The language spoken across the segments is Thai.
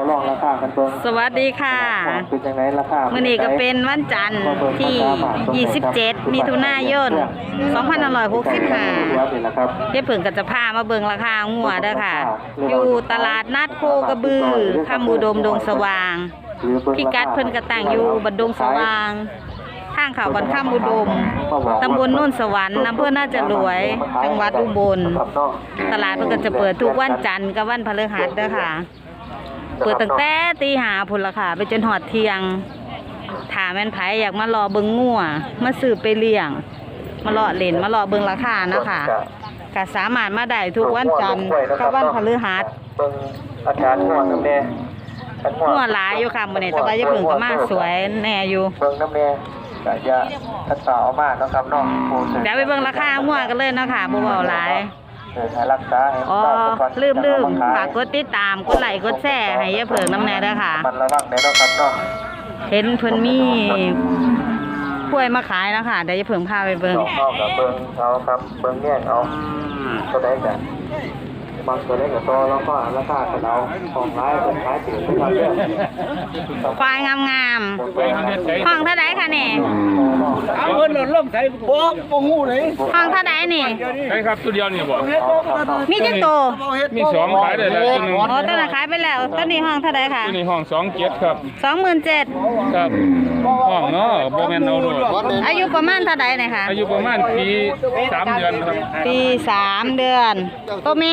ลองราคากันเบิ่งสวัสดีค่ะเป็นจังได๋ราคามื้อนี้ก็เป็นวันจันทร์ที่27มิถุนายน2565เดี๋ยวเพิ่นก็จะพามาเบิ่งราคางัวเด้อค่ะอยู่ตลาดนัดโคกระบือคำอุดมดงสว่างพิกัดเพิ่นก็ตั้งอยู่บัดดงสว่างทางเขาบัดคำอุดมตำบลโน่นสวรรค์อำเภอน่าจะรวยจังหวัดอุบลตลาดเพิ่นก็จะเปิดทุกวันจันทร์กับวันพฤหัสเด้อค่ะเปิดตั้งแต่ตีห้าพุ่นละค่ะไปจนหอดเที่ยงถ้าแม่นไผอยากมารอเบิ่งงัวมาซื้อไปเลี้ยงมารอเล่นมารอเบิ่งราคานะคะก็สามารถมาได้ทุกวันจันทร์กับวันพฤหัสเบิ่งอาการงัวนำแน่งัวหลายอยู่ค่ะมื้อนี้แต่ว่าอย่าเพิ่งก็มาสวยแน่อยู่เบิ่งนำแน่ก็อย่าทัดสาวมากเนาะครับเนาะเดี๋ยวไปเบิ่งราคางัวกันเลยเนาะค่ะบ่เว้าหลายรักษาลืมฝากกดติดตามกดไลค์กดแชร์ให้ยายเผิงน้ำแน่ด้วยค่ะมันระวังแน่เนาะครับเนาะเห็นเพิ่นมีกล้วยมาขายแล้วค่ะเดี๋ยวยายเผิงพาไปเบิ่งกับเบิ่งเอาครับเบิ่งแยกเอาก็ได้กันบางตัวได้กับตัวแล้วก็ราคากันเอาของขายเป็นขายถึงครับเด้อควายงามๆห้องเท่าใดคะนี่เอาเงินหล่นลงใส่บ่งูเลยห้องเท่าใดนี่ใช่ครับตัวเดียวนี่บ่มีจังโตมี2ขายได้แล้วตัวนึงอ๋อตัวนั้นขายไปแล้วตัวนี้ห้องเท่าใดค่ะตัวนี้ห้อง27ครับ 27,000 ครับห้องเนาะบ่แม่นเอาโดดอายุประมาณเท่าใดนี่ค่ะอายุประมาณปี3เดือนครับปี3เดือนตัวแม่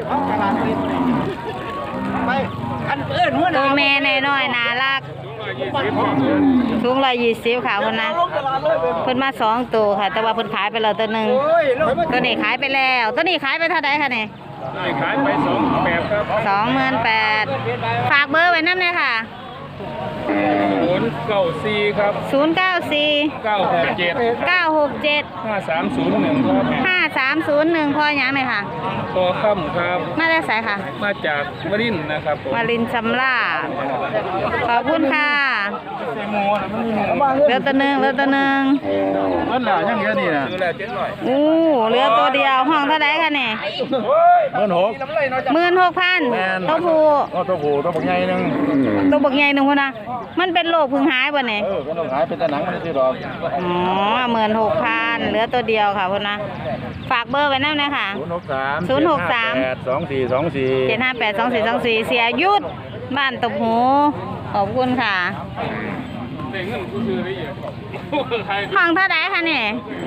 ตัวแม่น้อยๆน่ารักสูง120ค่ะคนนะเพิ่นมา2ตัวค่ะแต่ว่าเพิ่นขายไปแล้วตัวนึงตัวนี้ขายไปแล้วตัวนี้ขายไปเท่าใดคะนี่ขายไป28,000ครับ 28,000ฝากเบอร์ไว้นำเลยค่ะ 094ครับ 094 967 5301ครับ 5301พอหยังเลยค่ะพอค่ำครับมาได้ไสค่ะมาจากวรินทร์นะครับวรินทร์สำราญขอบคุณค่ะเหลือตัวนึงมันล่ะยังเยอะนี่นะเหลือตัวเดียวห้องเท่าไหร่คะนี่16,000ตัวผู้ตัวบักใหญ่นึงพุ่นน่ะมันเป็นโรคพึ่งหายบ่นี่ก็ต้องหายเป็นแต่หนังมันสิดอกอ๋อ 16,000เหลือตัวเดียวค่ะพุ่นนะฝากเบอร์ไว้นำนะคะ063 7582424เสียยุทธบ้านตบหูขอบคุณค่ะห้องเท่าไหร่คะนี่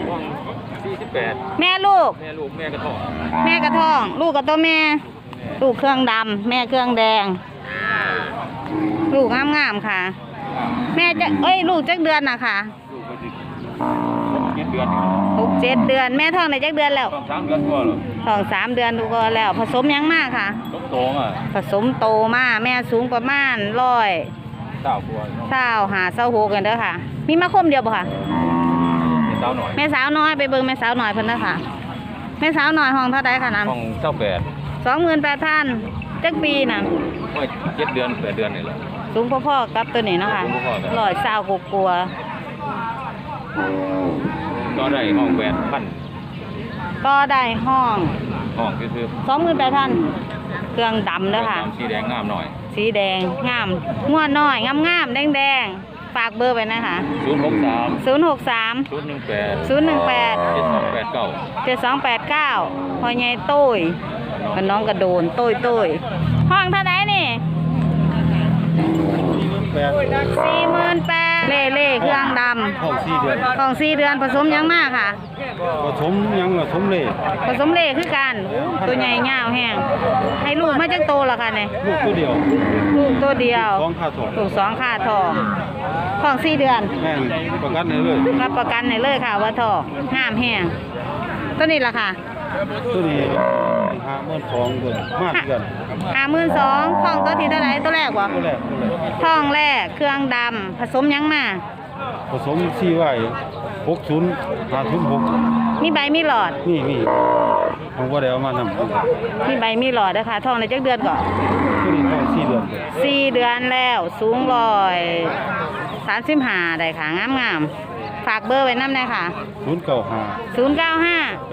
48 แม่ลูกแม่กระท้องลูกกับตัวแม่ลูกเครื่องดำแม่เครื่องแดงลูกงามๆค่ะแม่จะลูกจักเดือนน่ะค่ะ6-7 เดือนแม่ท้องได้จักเดือนแล้วท้อง3 เดือนดูก็แล้วผสมยังมากค่ะผสมโตมาแม่สูงประมาณ100 กันเด้อค่ะมีมาคมเดียวป่ะค่ะแม่สาวน้อยไปเบิ่งแม่สาวน้อยเพิ่นเด้อค่ะแม่สาวน้อยห้องเท่าใดค่ะน้ำห้อง 28,000จักปีน่ะ 7 เดือน8 เดือนนี่แหละสูงพ่อๆกับตัวนี้เนาะค่ะ120กว่าก็ได้ห้อง8,000 ก็ได้ห้องคือ 28,000เครื่องดำเด้อค่ะสีแดงงามหน่อยสีแดงงามงวดน้อยงามๆแดงๆฝากเบอร์ไว้นะคะ063 018 7289พ่อใหญ่ตุ้ยกับน้องกระโดนตุ้ยห้องเท่าไหร่นี่48,000เล่เครื่องดำของ4 เดือนผสมยังมากค่ะผสมยังผสมเล่คือกันตัวใหญ่ยาวแห้งให้ลูกมาจักโตละค่ะนี่ลูกตัวเดียวลูก2ค่าทองของ4 เดือนแม่ประกันให้เลยรับประกันให้เลยค่ะว่าทองงามแห้งตัวนี้ล่ะค่ะตัวนี้52,000ตัวมากกัน 52,000ท้องตัวที่เท่าไหร่ตัวแรกบ่ท้องแรกเครื่องดำผสมยังมาผสม4ไว้60 506 มีใบมีหลอดมีผมบ่ได้เอามาทำมีใบมีหลอดนะคะท้องในจักเดือนก่อนตัวนี้ท้อง 4 เดือนแล้วสูง135ได้ค่ะงามฝากเบอร์ไว้นำได้ค่ะ095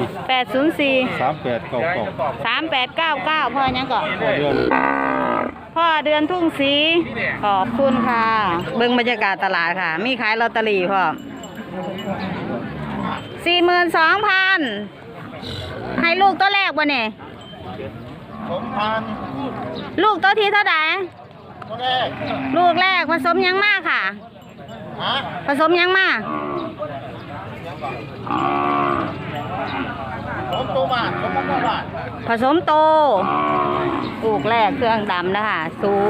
804 3899พ่อยังก่อนพ่อเดือนทุ่งสีขอบคุณค่ะ เบิ่งบรรยากาศตลาดค่ะ มีขายลอตเตอรี่พ่อ42,000ให้ลูกตัวแรกบ่เนี่ย 2,000 ลูกตัวที่เท่าไหร่ตัวแรกลูกแรกผสมยังมากค่ะฮะผสมยังมากผมตัวบาทผมตัวบาทผสมโต ลูกแรกเครื่องดำนะคะ สูง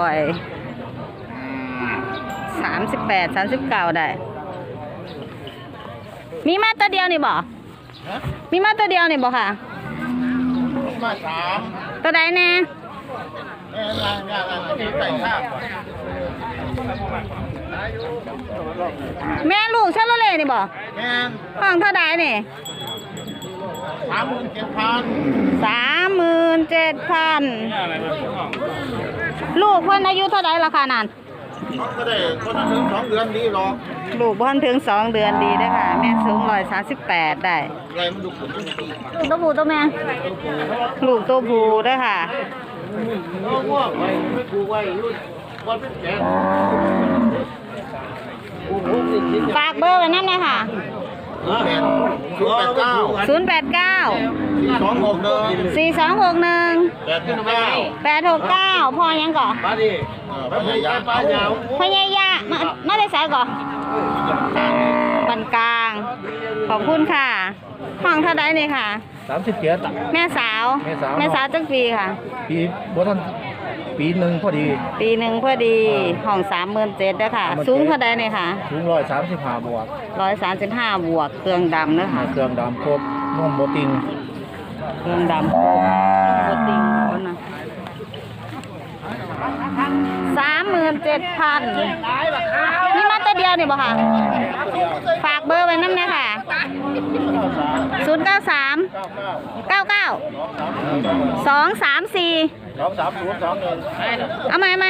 38-39 ได้ มีมาตัวเดียวนี่บ่ฮะมีมาตัวเดียวนี่บ่ค่ะมา3 ตัวใดแน่งานที่ใส่ข้าวแม่ลูกชาโลเล่นี่บ่แม่นห้องเท่าใดนี่ 37,000 37,000 ลูกเพิ่นอายุเท่าใดล่ะค่ะนั่นก็ได้คนถึง2 เดือนดีหรอกลูกเพิ่นถึง 2 เดือนดีเด้อค่ะ แม่สูง138ได้ไงมันดูขุนลูกตัวผู้ตัวแม่ ลูกตัวผู้เด้อค่ะง่วงไว้ไม่กูไว้ยุ่นวันเป็นแก่ฝากเบอร์ไว้นั่นเลยค่ะ 089 089 4261 4261 869พ่อยังก่อมาดิพยายามป้ายาวพญายะมาได้สายก่อบันกลาง ขอบคุณค่ะ ห้องเท่าไดนี่ค่ะ 37 แม่สาว แม่สาวจักปีค่ะปีบ่ทันปีหนึ่งพอดีปีหนึ่งพอดี ห้อง37,000เด้อค่ะ สูงเท่าไดนี่ค่ะสูง135บวก 135 บวก เครื่องดำเด้อค่ะเครื่องดำครบนุ่มโบติงเครื่องดำโคตรติงคนนะ37,000นี่มาตัวเดียวนี่บ่ค่ะ ฝากเบอร์ไว้น้ำนะค่ะ 093 99 234 23021 เอาไหม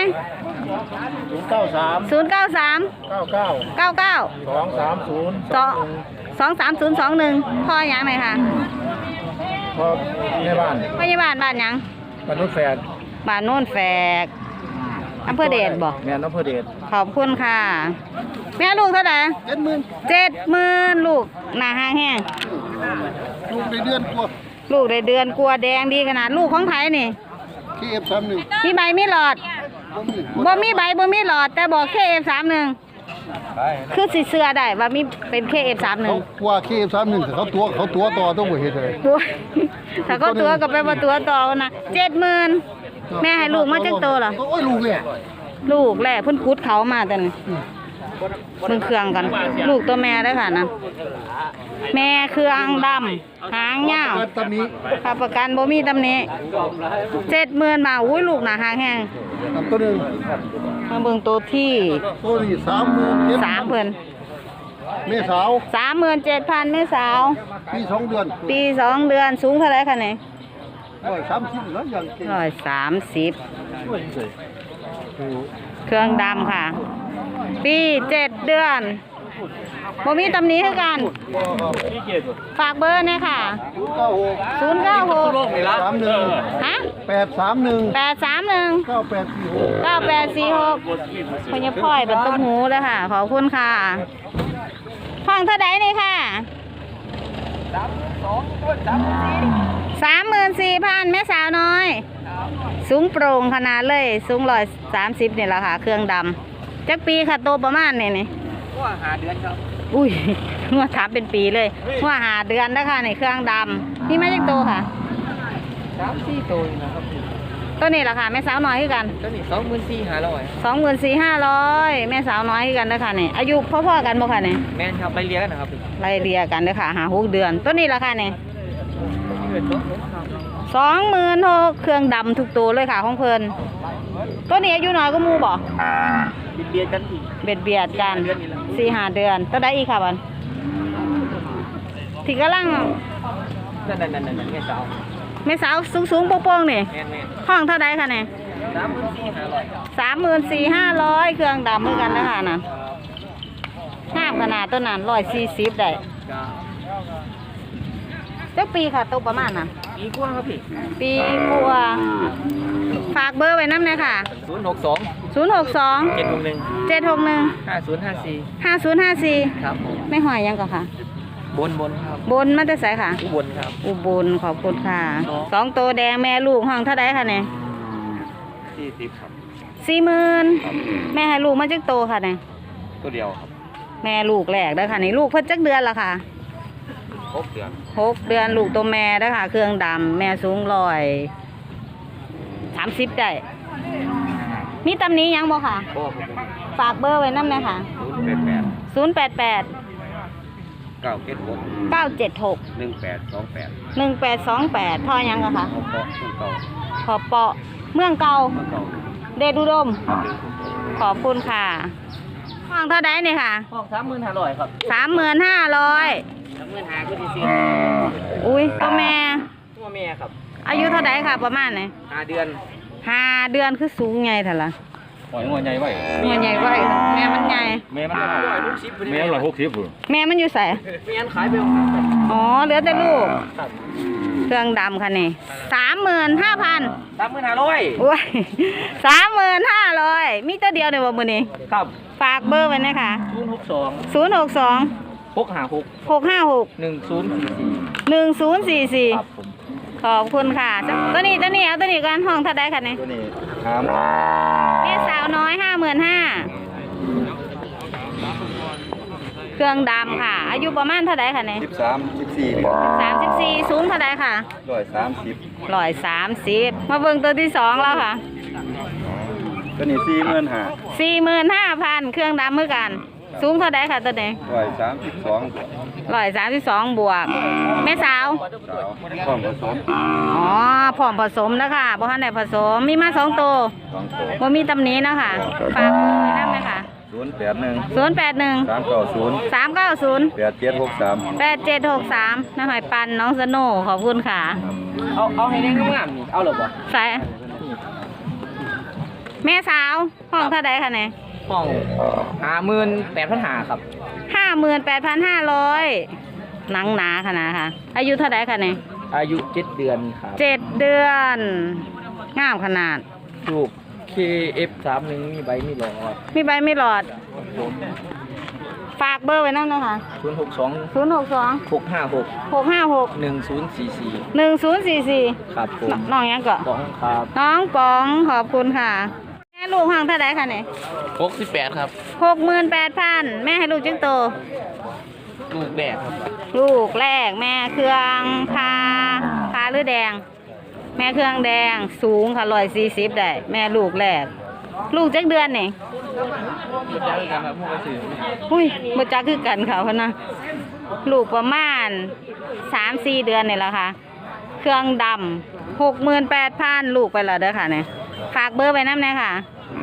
093 093 99 99 230 23021พ่อยังไหนค่ะพอในบ้านพยาบาลบ้านยังมนุษย์แฟนบ้านโน่นแฝกอำเภอเดชบ่แม่นอำเภอเดชขอบคุณค่ะ แม่ลูกเท่าไหร่ 70,000ลูกหน้าห้างแห้งลูกในเดือนกว่าลูกได้เดือนกลัวแดงดีขนาดลูกของไผนี่ที่ F31 มีใบมีหลอดบ่มีใบบ่มีหลอด แต่บอก KF31 คือสิเสื้อได้ว่ามีเป็น KF31 ว่า KF31 เขาตัวต่อต้องบ่เฮ็ดเลยตัวถ้าเขาตัวก็ไปว่าตัวต่อนะ70,000แม่ให้ลูกมาจักโตเหรอโอ้ยลูกเนี่ยลูกแหละเพิ่นกุดเขามาแต่นี่เบิ่งเครื่องกัน ลูกตัวแม่ได้อค่ะนะแม่เครื่องดำหางยาวตอนนี้ค่าประกันบ่มีตำหนิ70,000มาอุ้ยลูกหน้าหางแห้งตัวนึงมาเบิ่งตัวที่ตัวนี้30,000 3เพิ่นเมษาว 37,000แม่สาวปี2 เดือนปี2 เดือนสูงเท่าไหร่คะนี่ 130แล้วอย่างเก่ง 130เครื่องดำค่ะ ปี7 เดือนบ่มีตำหนิคือกัน ฝากเบอร์หน่อยค่ะ 096 31 ฮะ 831 831 9846 9846พญพ่อยเป็นต้มหูเลยค่ะ ขอบคุณค่ะห้องเท่าไดนี่ค่ะ 34,000แม่สาวน้อย สูงโปร่งขนาดเลย สูง130นี่แหละค่ะ เครื่องดำจักปีค่ะโตประมาณนี่ว่าหาเดือนครับอุ้ยว่าถามเป็นปีเลยว่าหาเดือนนะคะในเครื่องดำนี่ไม่ใช่โตค่ะ 3-4 ตัวนะครับตัวนี้แหละค่ะแม่สาวน้อยคือกันตัวนี้24,500 24,500แม่สาวน้อยคือกันนะคะนี่อายุพ่อๆกันบ่ค่ะนี่แม่นครับไปเรียกกันนะครับไล่เรียกันเด้อค่ะหา6 เดือนตัวนี้ราคาเนี่ยเงินตัวครับ 26,000เครื่องดำทุกตัวเลยค่ะของเพิ่นตัวนี้อายุน้อยก็มูบ่เบียดกันอีกเบียดกัน4-5 เดือนตัวใดอีกค่ะบันที่กำลังนั่นแม่สาวแม่สาวสูงๆโป่งๆนี่แม่นห้องเท่าใดค่ะเนี่ย 34,500 34,500เครื่องดำเหมือนกันนะคะน่ะงามขนาดตัวนั้น140ได้จ้าจักปีค่ะตัวประมาณน่ะปีกว่าครับพี่ปีกว่าฝากเบอร์ไว้น้ำเลยค่ะ 062 062 761 761 5054 5054 ครับผมไม่หอยยังก่อนค่ะบนครับบนมาแต่ไสค่ะอุบลครับอุบลขอบคุณค่ะ2ตัวแดงแม่ลูกห้องเท่าไดค่ะเนี่ย 40ครับ 40,000แม่ให้ลูกมาจักโตค่ะเนี่ยตัวเดียวครับแม่ลูกแรกเด้อค่ะนี่ลูกเพิ่นจักเดือนละค่ะ 6เดือน 6 เดือนลูกตัวแม่เด้อค่ะ เครื่องดำแม่สูง30ได้มีตำหนี้ยังบ่ค่ะโอ้ผมฝากเบอร์ไว้นำเลยค่ะ 088 088 976 976 1828 1828พ่อยังอะค่ะเอาเพาะผู้เก่าขอเปาะเมืองเก่าเมื่อเก่าเดชอุดมครับขอบคุณค่ะห้องเท่าไดนี่ค่ะห้อง35,500ครับ 35,000 35,000ก็ดีสิอุ้ยตัวแม่ตัวแม่ครับอายุเท่าไดค่ะ ประมาณไหน 5 เดือน 5 เดือนคือสูงใหญ่เท่าล่ะหอยงัวใหญ่ไว้หัวใหญ่กว่าอีกแม่มันใหญ่แม่มัน160แม่160พุ่นแม่มันอยู่ใส่แม่นขายไปแล้วอ๋อเหลือแต่ลูกครับเครื่องดำค่ะนี่35,000 35,500 โอ้ย35,500มีตัวเดียวเดี๋ยวมื้อนี้ครับฝากเบอร์ไว้นะคะ 062 062 656 656 1044 1044 ครับผมขอบคุณค่ะตัวนี้เอาตัวนี้กันห้องเท่าไดค่ะนี่ตัวนี้ครับแม่สาวน้อย 55,000เครื่องดำค่ะ อายุประมาณเท่าไดค่ะนี่ 34สูงเท่าไดค่ะ130มาเบิ่งตัวที่2แล้วค่ะตัวนี้ 45,000เครื่องดำเหมือนกัน สูงเท่าไดค่ะตัวนี้132บวกแม่สาวพร้อมผสมอ๋อพร้อมผสมแล้วค่ะบ่ทันได้ผสมมีมา2ตัวบ่มีตำหนินะคะฝากเบอร์ไว้นำเลยค่ะ081 390 8763น้าหอยปันน้องสโน่ขอบคุณค่ะเอาให้แน่งงามๆนี่เอาหรอบ่ใส่แม่สาวห้องเท่าใดคะเนี่ยห้อง58,500ครับ 58,500หนังหนาขนาดค่ะ อายุเท่าใดคะเนี่ยอายุ7 เดือนครับ 7 เดือนงามขนาดลูก KF31 มีใบมีหลอดมีใบไม่หลอด ฝากเบอร์ไว้นั่นนะคะ 062 062 656 656 1044 1044 ครับผมน้องยังก่อนของครับน้องปองขอบคุณค่ะแม่ลูกห้องเท่าใดคะเนี่ย 68ครับ 68,000แม่ให้ลูกจึงโตลูกแรกครับลูกแรกแม่เครื่องพาหรือแดง แม่เครื่องแดงสูงค่ะ140ได้แม่ลูกแรก ลูกจักเดือนนี่รู้จักกันครับผู้กระสืออุ้ยบ่จักคือกันค่ะพ่นนะลูกประมาณ 3-4 เดือนนี่แหละค่ะ เครื่องดำ68,000ลูกไปแล้วเด้อค่ะเนี่ยฝากเบอร์ไว้นำแน่ค่ะ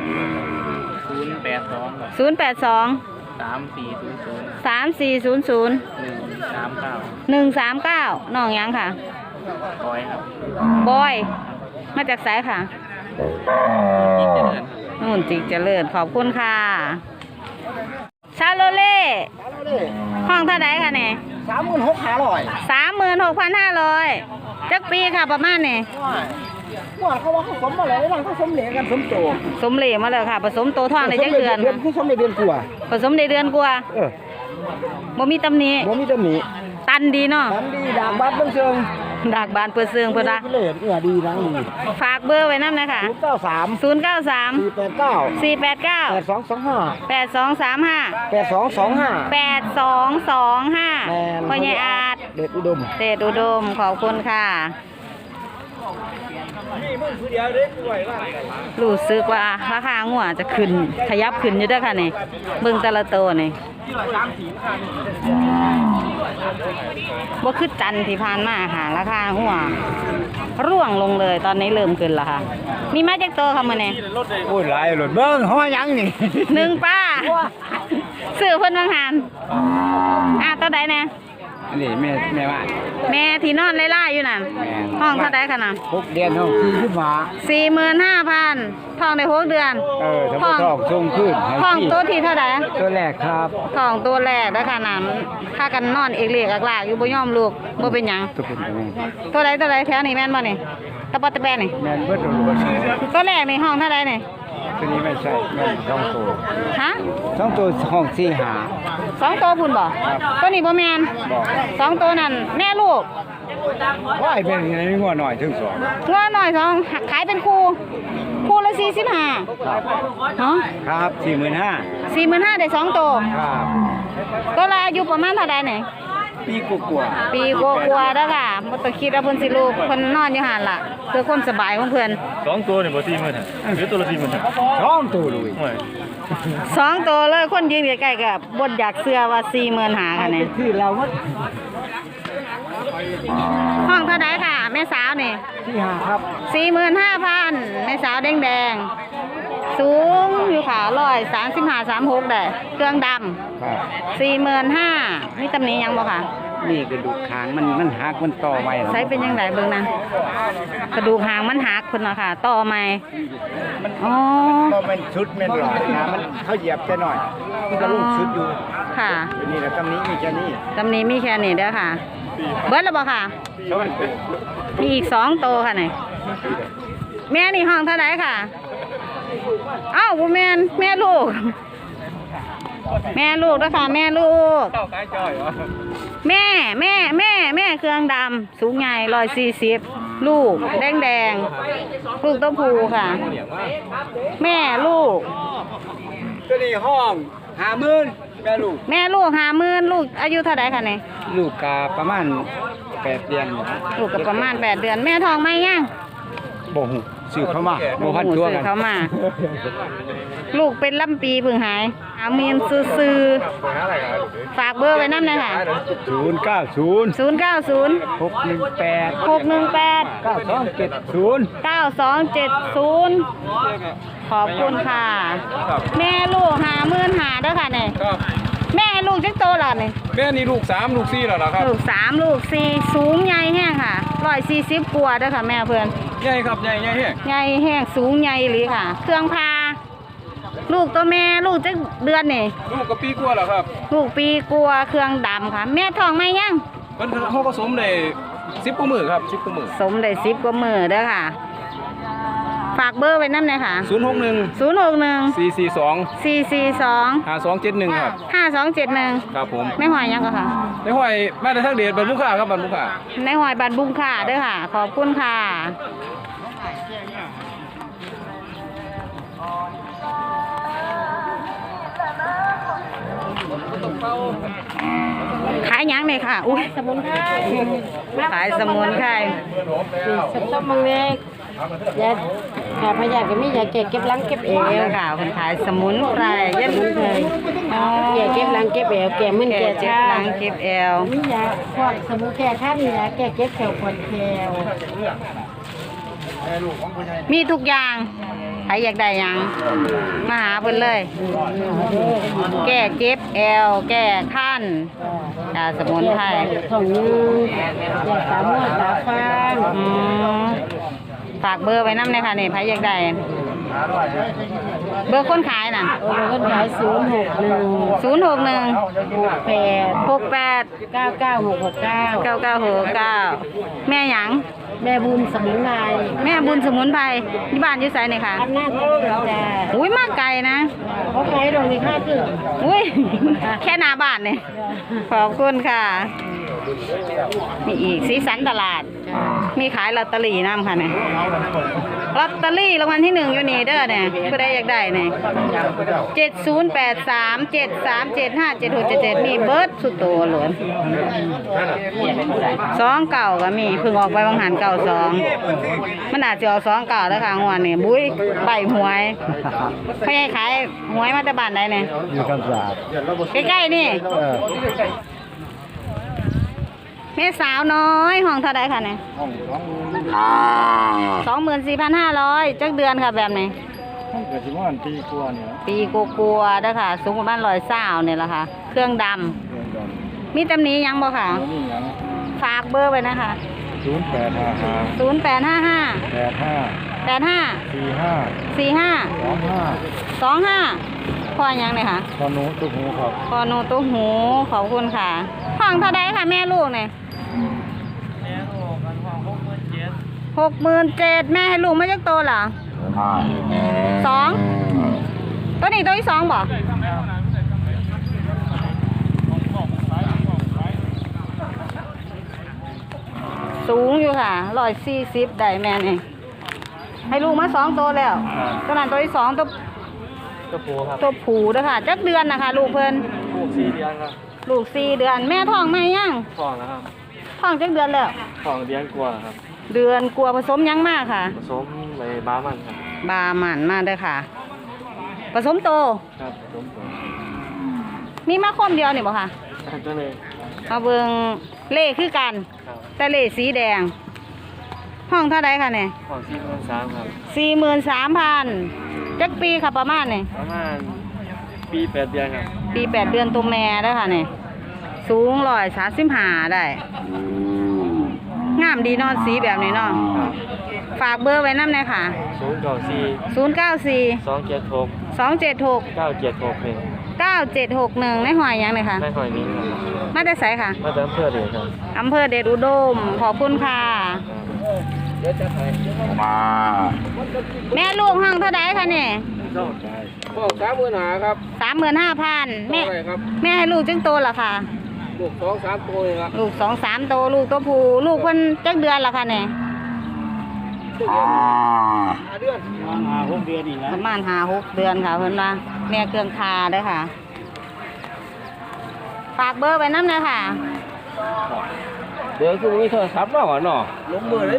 082 082 3400 3400 139 น้องยังค่ะคอยครับบอย มาจากไสายค่ะอีกเดือนนู่นจิกเจริญขอบคุณค่ะ ชาโลเล่ ห้องเท่าไดค่ะเนี่ย 36,500จักปีค่ะประมาณนี่ว่าเขาว่าเขาสมมาแล้วหลังเขาสมเหลกันสมโตสมเหล่มาเลยค่ะ ผสมโตท้องในจักเดือนค่ะคือสมในเดือนกว่าผสมในเดือนกว่าบ่มีตำหนิบ่มีตำหนิตันดีเนาะทันดีดากบัดเบิ่งเชิงดากบานเปิดเสืองเพิ่นละเลดดีนังดีฝากเบอร์ไว้นำนะคะ 093 093 489 489 8235 8225 8225 พ่อใหญ่อาจเด็ดอุดมเดชอุดมขอบคุณค่ะ รู้สึกว่าราคางัวจะขึ้นขยับขึ้นอยู่เด้วยค่ะนี่เบิ่งแต่ละตัวนี่บ่คือจันทร์ที่ผ่านมาค่ะ ราคางัวร่วงลงเลยตอนนี้เริ่มขึ้นแล้วค่ะ มีมาจากตัวค่ะมื้อนี้โอ้ยหลายหลดเบิ่งฮ้อยังนี่หนึ่งป้าซื้อเพิ่นบางหารตัวใดแน่นี่แม่ว่าแม่ที่นอนไล่ๆอยู่นั่นห้องเท่าใดค่ะน่ะ 6 เดือนห้อง40บาท 45,000ทองได้6 เดือนถ้าบ่ทองส่งคืนให้ทองตัวที่เท่าใดตัวแรกครับทองตัวแรกนะคะน้ำถ้ากันนอนเอกเลียกลากอยู่บ่ยอมลูกบ่เป็นหยังทุกคนก็มีตัวใดแถวนี้แม่นบ่นี่นตะปอตะแบนนี่แม่นเบิดโดนตัวแรกในห้องเท่าไรนี่ตัวนี้ไม่ใช่แม่น2ตัวฮะ 2ตัวห้อง4 2 ตัวพุ่นบ่ตัวนี้บ่แม่น2 ตัวนั่นแม่ลูก 5ว่าเป็นไงงัวหน่อยถึง2 งัวหน่อย2ขายเป็นคู่ละ45เนาะครับ 45,000 45,000ได้2 ตัวครับตัวละอายุประมาณเท่าใดนี่ปีกว่าปีกว่าๆเด้อค่ะบ่ต้องคิดว่าเพิ่นสิลูกเพิ่นนอนอยู่หั่นล่ะเพื่อความสบายของเพิ่น 2ตัวนี่บ่40,000น่ะหรือตัวละ40,000น่ะ 2ตัวเลยโอ้ย 2 ตัวเลยคนยืนใกล้ๆก็บ่อยากเชื่อว่า40,000หาค่ะนี่ที่เราว่าห้องเท่าใดค่ะ แม่สาวนี่ที่5ครับ 45,000แม่สาวแดงๆสูงอยู่ค่ะ135-36ได้เครื่องดำครับ 45,000มีตำหนิหยังบ่ค่ะนี่กระดูกคางมันหักมันต่อไว้ใช้เป็นยังไงเบิ่งนั้นกระดูกหางมันหักพุ่นเนาะค่ะต่อใหม่อ๋อก็มันชุดแม่นหลอดนะมันเขาเหยียบแค่หน่อยมันก็ลงชุดอยู่ค่ะนี่แหละตำนี้มีแค่นี้ตำหนิมีแค่นี้เด้อค่ะ เบิดแล้วบ่ค่ะ มีอีก2ตัวค่ะนี่แม่นี่ห้องเท่าไหร่ค่ะอ้าวบ่แม่นแม่ลูก แม่ลูกเด้อค่ะแม่ลูก แม่เครื่องดำสูงใหญ่140ลูกแดงลูกตัวผู้ค่ะ แม่ลูกตัวนี้ห้อง50,000แม่ลูกแม่ลูก50,000ลูกอายุเท่าไหร่คะเนี่ยลูกกาประมาณ8เดือนลูกกับประมาณ8 เดือนแม่ท้องไหมยังบ่ฮู้ซื้อเข้ามาบ่ทันตัวซื้กัอน เขามา ลูกเป็นลำปีเพิ่งหาย50,000ซื้อๆฝากเบอร์ไว้นำหน่อยค่ะ 090 090 618 618 9270 9270ขอบคุณค่ะ แม่ลูก50,000เด้อค่ะเนี่ยครับแม่ให้ลูกจักโตแล้วนี่แม่นี่ลูก3ลูก4แล้วล่ะครับลูก3ลูก4สูงใหญ่แห้งค่ะ140กว่าเด้อค่ะแม่เพื่อนใหญ่ครับใหญ่แฮะใหญ่แห้งสูงใหญ่หรือค่ะ เครื่องพา ลูกตัวแม่ลูกจักเดือนนี่ลูกก็ปีกว่าแล้วครับลูกปีกว่าเครื่องดำค่ะ แม่ท้องไหมยังเพิ่นเฮาผสมได้10กว่ามื้อครับ10กว่ามื้อสมได้10กว่ามือเด้อค่ะ ฝากเบอร์ไว้นำหน่อยค่ะ 061 061 442 442 5271ครับ 5271 ครับผมไม่หอยยังก็ค่ะในห้อยมาแต่ทางเดชบันมุกค่าครับบันมุกค่าในหอยบันบุงค่ะเด้อค่ะ ขอบคุณค่ะ ขายหยังเนี่ยค่ะ อุ้ยสมุนไพรขายสมุนไพรสมต้มมังเล็กยาขาพยาก็มียาแก้เก็บหลังเก็บเอเอววค่ะคนขายสมุนไพรยันเคยแก้เก็บหลังเก็บเอวแก้มึนแก่แก้เจ็บชาหลังเก็บแอวมียาพวกสมุนแก้ข้ามยาแก้เก็บแขวปวดแขวมีทุกอย่างใครอยากได้หยังมาหาเพิ่นเลย แก้เจ็บแอว แก้คันยาสมุนไพรท้องยืดยาตาม่วตาฟางอืมฝากเบอร์ไว้นำเลยค่ะนี่ใครอยากได้เบอร์คนขายน่ะโอ้คนขาย061 061 68 68 99669 9969แม่หยังแม่บุญสมุนไพรแม่บุญสมุนไพรที่บ้านอยู่ไสนี่ค่ะอำนาจจ้าอุ้ยมาไกลนะเขาขายตรงนี้ค่าคืออุ้ย แค่หน้าบ้านเนี่ยขอบคุณค่ะ มีอีกสีสันตลาด มีขายลอตเตอรี่น้ำค่ะเนี่ยลอตเตอรี่รางวัลที่1อยู่นี่เด้อเนี่ยผู้ใดอยากได้เนี่ย708373757677มีเบิร์ดสุดโตหลวน2 เก่าก็มีเพิ่งออกไปบางหันเก่า2มันอาจจะออก2 เก่าแล้วค่ะงวดนี่บุ้ยใบหวยเขาให้ขายหวยมาแต่บ้านใดเนี่ยอยู่คำสาบใกล้ๆนี่แม่สาวน้อยห้องเท่าไดค่ะเนี่ยห้อง 24,500จักเดือนค่ะแบบไหนห้องเกิดที่ว่าปีกว่าเนี่ยปีกลัวๆเด้อค่ะ สูงประมาณ120เนี่ยแหละค่ะ เครื่องดำมีตำหนี้ยังบ่ค่ะแล้วนี่หยังฝากเบอร์ไว้นะคะ 0855 0855 85 45 25 พ่อยังเลยค่ะตอนนู้ตุกหูครับพ่อโนตุ้หูขอบคุณค่ะ ห้องเท่าไดค่ะแม่ลูกเนี่ย 67,000แม่ให้ลูกมาจักโตเหรอ2ตัวนี้ตัวที่2บ่สูงอยู่ค่ะ140ได้แม่นี่ให้ลูกมา2ตัวแล้วตัวนั้นตัวที่2ตัวกระปูครับตัวผูเด้อค่ะจักเดือนนะคะลูกเพิ่นลูก4 เดือนครับลูก4 เดือนแม่ท้องไหมยังท้องแล้วครับท้องจักเดือนแล้วท้องเดือนกว่าครับเดือนกลัวผสมยังมากค่ะผสมในบ้ามันครับบาหมันมาเด้อค่ะ ผสมโตครับผสมตัวมีมาคมเดียวนี่บ่ค่ะตัวนี้มาเบิ่งเล่คือกันครับแต่เล่สีแดง ห้องเท่าใดค่ะเนี่ยท้อง43ครับ 43,000จักปีค่ะประมาณนี่ประมาณปี8 เดือนครับปี8 เดือนตัวแม่เด้อค่ะนี่สูง135ได้งามดีเนอนสีแบบนี้เนาะครับฝากเบอร์ไว้นำหน่อยค่ะ 094 094 276 276 976 9761ในหอยยังเลยค่ะในหอยนี้ครับมาแต่ไสค่ะมาจากอำเภอเดชครับอำเภอเดชอุดม ขอบคุณค่ะเดี๋ยวจะถ่ายแม่ลูกห้องเท่าไดคะเนี่ยพ่อ35,000ครับ 35,000แม่เท่าไหร่ครับแม่ให้ลูกจึงโตเหรอค่ะลูก2-3 ตัวเลยครับลูก2-3โตลูกตัวผู้ลูกเพิ่นจักเดือนละค่ะเนี่ย 5 เดือน 6 เดือนอีกแล้วประมาณ5-6 เดือนค่ะเพิ่นว่าแม่เครื่องคาเด้อค่ะ ฝากเบอร์ไว้นำหน่อยค่ะเดี๋ยวคือมีโทรศัพท์มาก่อนเนาะลงมือเลย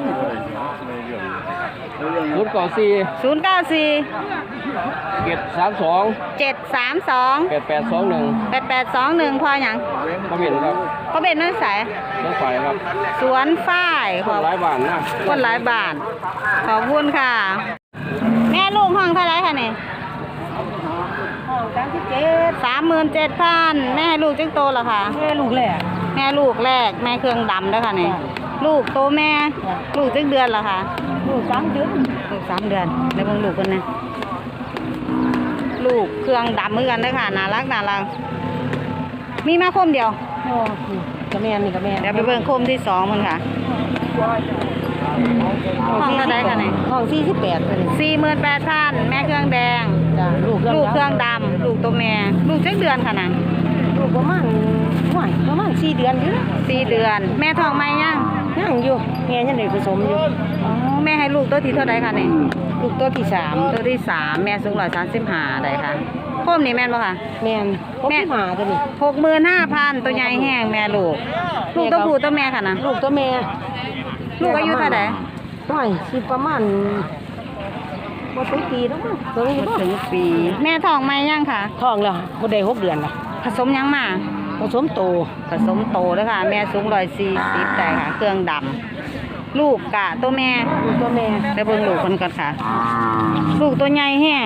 094 094 732 732 8821 8821พอหยังมาเห็นครับเขาเป็นนักสายรถไฟครับสวนฝ้ายขอบหลายบาทนะคนหลายบาท ขอบคุณค่ะ แม่ลูกห้องเท่าไรคะเนี่ย37,000แม่ให้ลูกจึงโตเหรอคะแม่ลูกแหละแม่ลูกแรกแม่เครื่องดำเด้อค่ะเนี่ยลูกโตแม่ลูกจึงเดือนเหรอคะลูก3 เดือนลูก3 เดือนแล้วเบิ่งลูกคนนะลูกเครื่องดำเหมือนกันเด้อค่ะน่ารักมีมาคมเดียวโอ้กับแม่นี่กับแม่เดี๋ยวไปเบิ่งคมที่2มันค่ะ ห้องเท่าไรกันเนี่ยห้อง48ตัวนี้ 48,000แม่เครื่องแดงจ้ะลูกลูกเครื่องดำลูกตัวแม่ลูกจักเดือนค่ะนะลูกประมาณ4 เดือนอยู่นะ 4 เดือน แม่ท้องไหมยังยังอยู่แม่ยังได้ผสมอยู่อ๋อแม่ให้ลูกตัวที่เท่าไรค่ะเนี่ยลูกตัวที่3 ตัวที่3แม่สูง135ได้ค่ะโคมนี่แม่นบ่ค่ะแม่นพบแม่ที่หาตัวนี้ 65,000ตัวใหญ่แห้งแม่ลูกลูกตัวผู้ตัวแม่ค่ะนะลูกตัวแม่ลูกอายุเท่าไหร่น้อยสิประมาณบ่ถึงปีแล้วมั้งตัวนี้บ่บ่ถึงปี แม่ท้องไหมยังค่ะท้องแล้วบ่ได้6 เดือนล่ะผสมยังมาผสมโตผสมโตเด้อค่ะ แม่สูง140ได้ค่ะ เครื่องดำลูกกะตัวแม่ลูกตัวแม่ไปเบิ่งลูกคนก่อนค่ะ ลูกตัวใหญ่แห้ง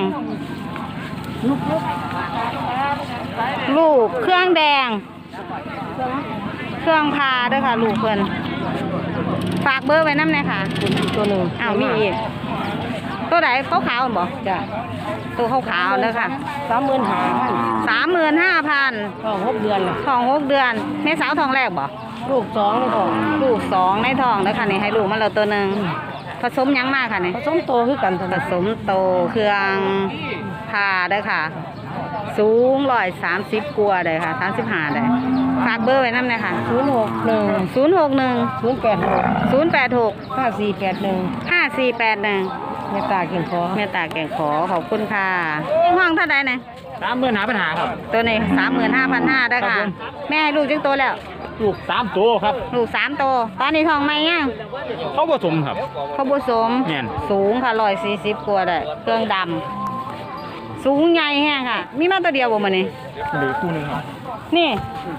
ลูกเครื่องแดง เครื่องพาเด้วยค่ะ ลูกเพิ่นฝากเบอร์ไว้น้ำหน่อยค่ะตัวหนึงอ้าวมีอีกตัวไหนขาวๆบ่จ้ะตัวขาวๆเด้อค่ะ 35,000 35,000 ท้อง6 เดือนล่ะท้อง6 เดือนแม่สาวท้องแรกบ่ลูก2ในท้องลูก2ในท้องเด้อค่ะนี่ให้ลูกมาแล้วตัวหนึงผสมหยังมากค่ะนี่ผสมโตคือกันตัวผนี้สมโตเครื่องพาเด้อค่ะ สูง130กว่าได้ค่ะ35ได้ฝากเบอร์ไว้นำหน่อยค่ะ 061 061 086 086 5481 5481 แม่ตาเก่งคอแม่ตาแก่งขอขอบคุณค่ะห้องเท่าใดเนี่ย 30,000หาปัญหาครับตัวนี้35,500ได้อครัค่ะบผมแม่ให้ลูกจึงโตแล้วลูก3ตัวครับลูก3โตตอนนี้ท้องไหมยังเขาผสมครับเขาบุสมแม่นสูงค่ะ140กว่าได้เครื่องดำสูงใหญ่แห้งค่ะ มีมาตัวเดียวบ่มื้อนี้หรือคู่หนึงครับนี่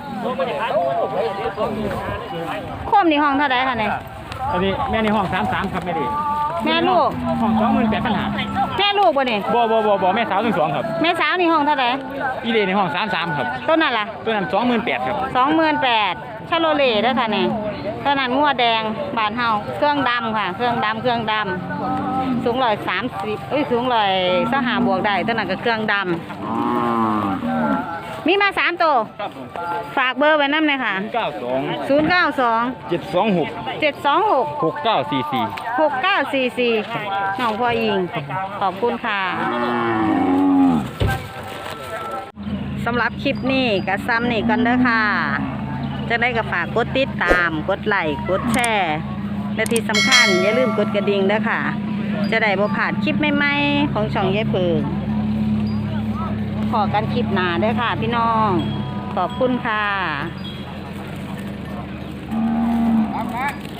โคมนี่ห้องเท่าใดค่ะเนี่ยอันนี้แม่ในห้อง33ครับแม่ดิแม่ลูกห้อง28,000หาแม่ลูกบ่นี่บ่แม่สาวทั้งสองครับแม่สาวนี่ห้องเท่าใดอีเลในห้อง33ครับต้นนั่นล่ะตัวนั้น28,000ครับ 28,000ชาโลเล่เด้อค่ะนี่ต้นนั้นงัวแดงบ้านเฮาเครื่องดำค่ะ เครื่องดำสูง130สูง125บวกได้ต้นนั้นก็เครื่องดำมีมา3ตัวฝากเบอร์ไว้นำเลยค่ะ 92 092 726 726 6944 6944น้องพ่ออิงขอบคุณค่ะสำหรับคลิปนี้ก็ซ้ำนี่กันเด้อค่ะ จะได้ก็ฝากกดติดตามกดไลค์กดแชร์และที่สำคัญอย่าลืมกดกระดิ่งเด้อค่ะ จะได้บ่พลาดคลิปใหม่ๆของช่องยายเพิงขอกันคลิปหน้าเด้อค่ะพี่น้องขอบคุณค่ะ